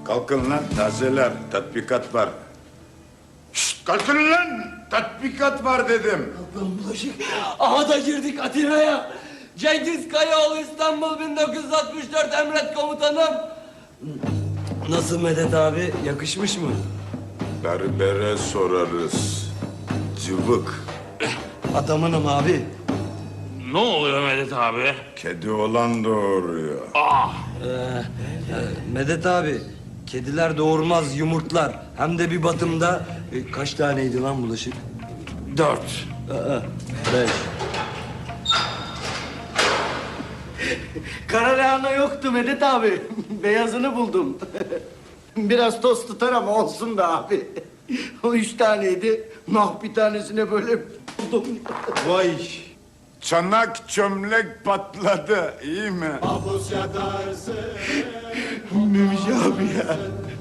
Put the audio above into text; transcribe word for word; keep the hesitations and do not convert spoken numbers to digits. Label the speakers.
Speaker 1: Kalkın lan tazeler, tatbikat var. Şşt, kalkın lan! Tatbikat var dedim.
Speaker 2: Lan bulaşık. Aha da girdik Atina'ya. Cengiz Kayaoğlu İstanbul bin dokuz yüz altmış dört emret komutanım. Nasıl Medet abi? Yakışmış mı?
Speaker 1: Berbere sorarız. Cıvık.
Speaker 2: Adamınım abi.
Speaker 3: Ne oluyor Medet abi?
Speaker 1: Kedi olan doğuruyor.
Speaker 2: Ee, e, Medet abi, kediler doğurmaz yumurtlar. Hem de bir batımda e, kaç taneydi lan bulaşık?
Speaker 3: Dört.
Speaker 2: Aa, beş. Kara lahana yoktu Medet abi. Beyazını buldum. Biraz toz tutar ama olsun be abi. O üç taneydi. Nah bir tanesine böyle buldum.
Speaker 1: Vay! Çanak çömlek patladı, iyi mi?
Speaker 2: Memiş abi ya.